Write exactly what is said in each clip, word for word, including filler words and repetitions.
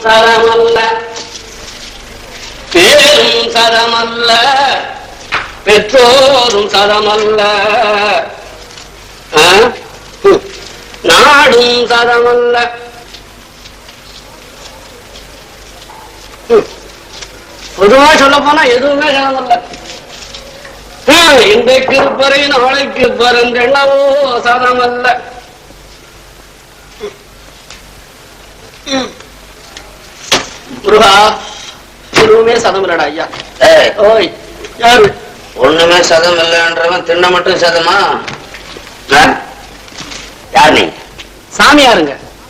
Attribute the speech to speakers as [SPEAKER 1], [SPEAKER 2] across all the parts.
[SPEAKER 1] சரமல்ல பேரும் சரமல்ல பெற்றோரும் சரமல்ல நாடும் சரமல்ல பொதுவா சொல்ல போனா எதுவுமே சரமல்ல. இன்றைக்கு இருப்பறை நாளைக்கு பரந்தென்னவோ சரமல்ல. முருகா எதுவுமே சதம் இல்லடா ஐயா. ஓய் யாரு
[SPEAKER 2] ஒண்ணுமே சதம் இல்லைன்றவன் தின்ன மட்டும் சதமா? யார் நீ?
[SPEAKER 1] சாமியாருங்க.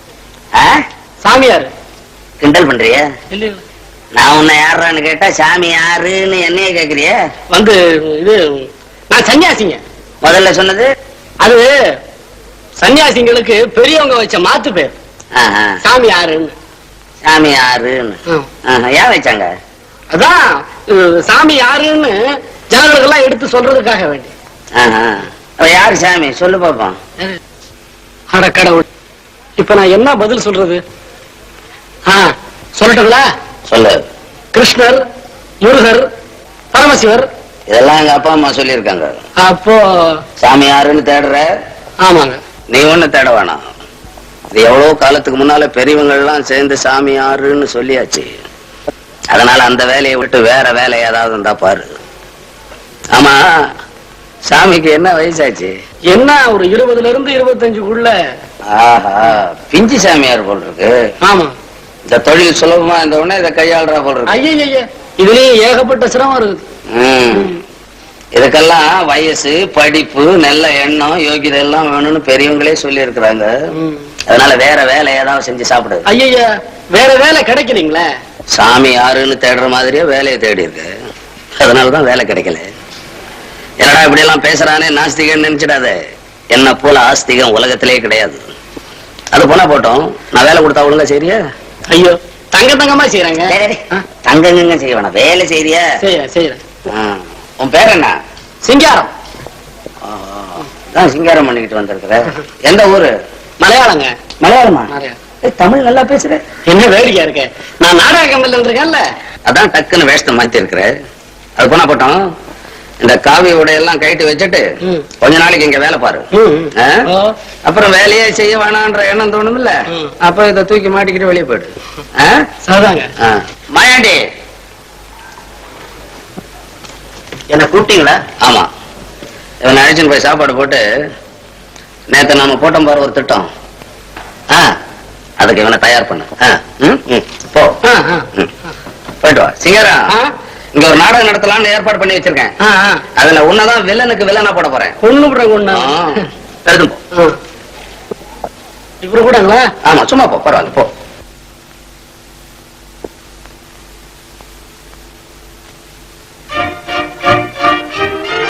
[SPEAKER 1] சாமியாரு.
[SPEAKER 2] கிண்டல் பண்றிய?
[SPEAKER 1] இல்ல
[SPEAKER 2] நான் உன்னை யாருன்னு கேட்டா சாமி யாருன்னு என்னைய கேக்குறிய?
[SPEAKER 1] வந்து இது நான் சன்னியாசிங்க.
[SPEAKER 2] முதல்ல சொன்னது
[SPEAKER 1] அது சன்னியாசிங்களுக்கு பெரியவங்க வச்ச மாத்து பேர். சாமி யாருன்னு.
[SPEAKER 2] சாமி யாருன்னு ஏன் வச்சாங்க?
[SPEAKER 1] அதான் சாமி யாருன்னு ஜனங்களுக்கு எல்லாம் எடுத்து சொல்றதுக்காக வேண்டி.
[SPEAKER 2] யாரு சாமி சொல்லு பாப்போம்.
[SPEAKER 1] அட கடவுள், இப்ப நான் என்ன பதில் சொல்றது? சொல்லட்டுங்களா?
[SPEAKER 2] சொல்லு.
[SPEAKER 1] கிருஷ்ணர், முருகர், பரமசிவர்
[SPEAKER 2] இதெல்லாம் எங்க அப்பா அம்மா சொல்லி இருக்காங்க.
[SPEAKER 1] அப்போ
[SPEAKER 2] சாமி யாருன்னு தேடுற?
[SPEAKER 1] ஆமாங்க.
[SPEAKER 2] நீ ஒண்ணு தேட வேணாம். இது எவ்வளவு காலத்துக்கு முன்னால பெரியவங்க எல்லாம் சேர்ந்து சாமி யாருன்னு சொல்லியாச்சு. அதனால அந்த வேலையை விட்டு வேற வேலை ஏதாவது இருந்தா பாரு. ஆமா, சாமிக்கு என்ன வயசாச்சு?
[SPEAKER 1] என்ன ஒரு இருபதுல இருந்து இருபத்தஞ்சுக்குள்ள.
[SPEAKER 2] ஆஹா, பிஞ்சு சாமியார் போல் இருக்கு.
[SPEAKER 1] ஆமா,
[SPEAKER 2] இந்த தொழில் சுலபமா இந்த உடனே இதை கையாளுறா போல் இருக்கு.
[SPEAKER 1] ஐயா, இதுலயே ஏகப்பட்ட சிரமம் இருக்குது.
[SPEAKER 2] இதுக்கெல்லாம் வயசு, படிப்பு, நல்ல எண்ணம், யோகிதை எல்லாம் வேணும்னு பெரியவங்களே சொல்லி இருக்கிறாங்க. அதனால வேற வேலை ஏதாவது செஞ்சு சாப்பிடு.
[SPEAKER 1] ஐயா, வேற வேலை கிடைக்கலீங்களே.
[SPEAKER 2] சாமி யாருன்னு தேடுற மாதிரியே வேலையை தேடி இருக்கு. அதனாலதான் வேலை கிடைக்கல. என்னடா இப்படி எல்லாம் பேசுறானே நாஸ்திகன்னு நினைச்சிடாத. என்ன போல ஆஸ்திகம் உலகத்திலே கிடையாது. அது போனா போட்டோம், நான் வேலை கொடுத்தா ஒழுங்கா சரியா?
[SPEAKER 1] ஐயோ, தங்க தங்கமா செய்யறாங்க.
[SPEAKER 2] தங்கங்க செய்ய வேணாம், வேலை செய்யறியா?
[SPEAKER 1] செய்யறேன் செய்யறேன்.
[SPEAKER 2] உன் பேர் என்ன?
[SPEAKER 1] சிங்காரம்.
[SPEAKER 2] சிங்காரம் பண்ணிக்கிட்டு வந்திருக்கிற. எந்த ஊரு?
[SPEAKER 1] மலையாளங்க.
[SPEAKER 2] மலையாளமா? தமிழ் நல்லா பேசுற.
[SPEAKER 1] என்ன வேடிக்கையா இருக்க? நான் நாடக கம்பெனில இருக்கேன்ல,
[SPEAKER 2] அதான் டக்குன்னு வேஷத்தை மாத்தி இருக்கிற. அது போனா போட்டோம், இந்த காவி உடையெல்லாம் கைட்டு வச்சுட்டு கொஞ்ச நாளைக்கு இங்க வேலை பாரு. அப்புறம் வேலையே செய்ய வேணான்ற எண்ணம் தோணும் இல்ல, அப்ப இதை தூக்கி மாட்டிக்கிட்டு வெளியே போயிடு. மாயாண்டி, என்ன கூப்பிட்டீங்களா? ஆமா, இவன் அழைச்சின்னு போய் சாப்பாடு போட்டு, நேத்து நாம போட்டோம் பாரு ஒரு திட்டம், அதுக்கு இவனை தயார் பண்ண. போ, போயிட்டு வா. சிங்கரா, இங்க ஒரு நாடகம் நடத்தலாம்னு ஏற்பாடு பண்ணி வச்சிருக்கேன். அதுல உன்னதான் வில்லனுக்கு வில்லனா போட போறேன்.
[SPEAKER 1] ஒண்ணு போடுறேன்.
[SPEAKER 2] எடுத்து போ.
[SPEAKER 1] இப்படி கூடங்களா?
[SPEAKER 2] ஆமா, சும்மா போ, பரவாயில்ல போ.